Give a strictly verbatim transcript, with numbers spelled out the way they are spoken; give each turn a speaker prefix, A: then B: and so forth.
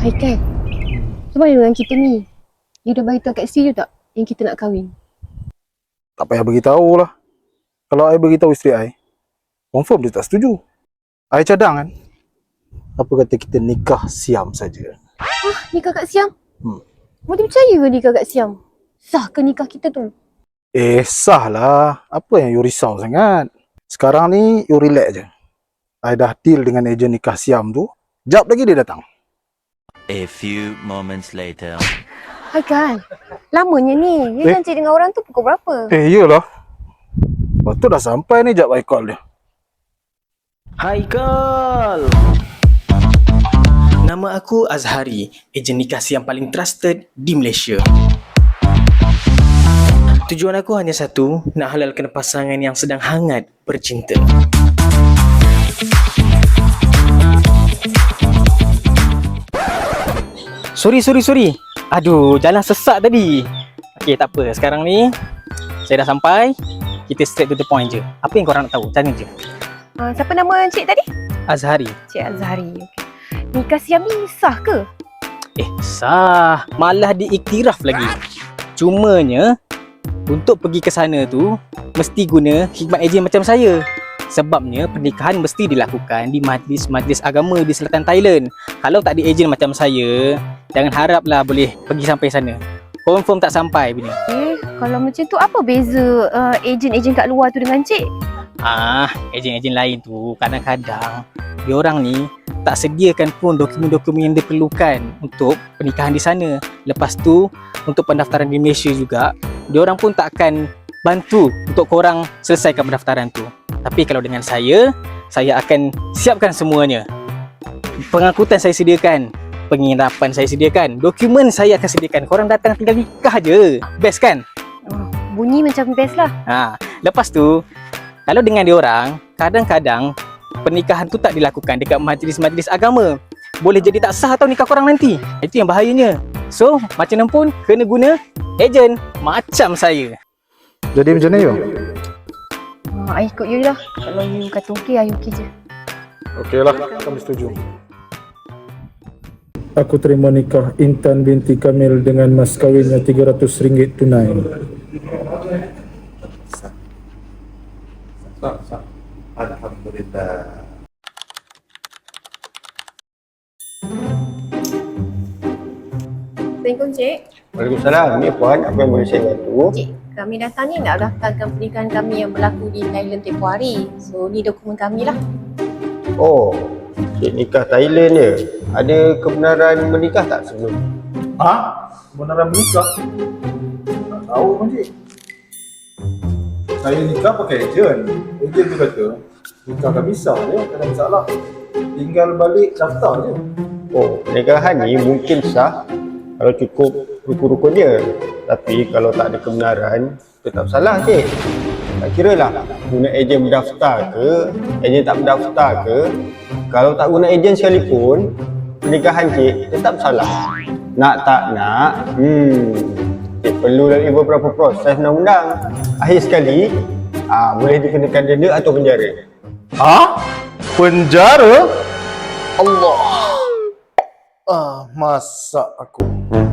A: Haikal, macam mana dengan kita ni? You dah beritahu kat isteri you tak yang kita nak kahwin?
B: Tak payah beritahu lah. Kalau I beritahu isteri I, confirm dia tak setuju. I cadang kan. Apa kata kita nikah siam saja?
A: Ah, nikah kat Siam?
B: Hmm.
A: Boleh percaya ke nikah kat Siam? Sah ke nikah kita tu?
B: Eh, sah lah. Apa yang you risau sangat? Sekarang ni, you relax je. I dah deal dengan ejen nikah siam tu. Jap lagi dia datang.
C: A few moments later.
A: Haikal, lamanya ni. You
B: Eh?
A: janji dengan orang tu pukul berapa?
B: Eh, iyalah. Lepas tu dah sampai ni, jap I call dia.
D: Haikal. Nama aku Azhari, ejen nikah yang paling trusted di Malaysia. Tujuan aku hanya satu, nak halalkan pasangan yang sedang hangat bercinta. Sorry, sorry, sorry. Aduh, jalan sesak tadi. Okey, tak apa. Sekarang ni, saya dah sampai. Kita straight to the point je. Apa yang korang nak tahu? Tanya je.
A: Uh, siapa nama cik tadi?
D: Azhari.
A: Cik Azhari. Okay. Nikah Siam ni sah ke?
D: Eh, sah. Malah diiktiraf lagi. Cumanya, untuk pergi ke sana tu, mesti guna khidmat ejen macam saya. Sebabnya, pernikahan mesti dilakukan di majlis-majlis agama di selatan Thailand. Kalau tak ada ejen macam saya, jangan haraplah boleh pergi sampai sana. Confirm tak sampai punya.
A: Eh, kalau macam tu apa beza uh, ejen-ejen kat luar tu dengan cik?
D: Ah, ejen-ejen lain tu kadang-kadang diorang ni tak sediakan pun dokumen-dokumen yang diperlukan untuk pernikahan di sana. Lepas tu, untuk pendaftaran di Malaysia juga, diorang pun tak akan bantu untuk korang selesaikan pendaftaran tu. Tapi kalau dengan saya, saya akan siapkan semuanya. Pengangkutan saya sediakan, penginapan saya sediakan, dokumen saya akan sediakan. Korang datang tinggal nikah je. Best kan?
A: Oh, bunyi macam best lah.
D: Ha, lepas tu, kalau dengan diorang, kadang-kadang pernikahan tu tak dilakukan dekat majlis-majlis agama. Boleh jadi tak sah tau nikah korang nanti. Itu yang bahayanya. So, macam mana pun kena guna ejen macam saya.
B: Jadi macam mana you?
A: Uh, I ikut you lah. Kalau you kata okey, I okey je.
B: Okey lah, kami setuju.
E: Aku terima nikah Intan binti Kamil dengan mas kawinnya tiga ratus ringgit tunai.
F: Alhamdulillah.
A: Assalamualaikum cik.
F: Waalaikumsalam. Ni puan, apa yang boleh saya bantu?
A: Cik, kami datang ni nak daftarkan pernikahan kami yang berlaku di Thailand tempoh hari. So, ni dokumen kami lah.
F: Oh, cik nikah Thailand je. Ada kebenaran menikah tak sebelum?
B: Ha? Kebenaran menikah? Tak tahu pun cik. Saya nikah pakai ejen. Ejen tu kata, nikah kami sah je, tak ada masalah. Tinggal balik daftar je.
F: Oh, pernikahan ni mungkin sah kalau cukup rukun-rukun dia. Tapi kalau tak ada kebenaran, tetap salah cik. Tak kira lah guna ejen berdaftar ke, ejen tak berdaftar ke. Kalau tak guna ejen sekalipun, pernikahan cik tetap salah. Nak tak nak, hmm, cik perlu lalui beberapa proses undang-undang. Akhir sekali, ah, boleh dikenakan denda atau penjara.
B: Ha? Penjara? Allah. Ah, masak aku.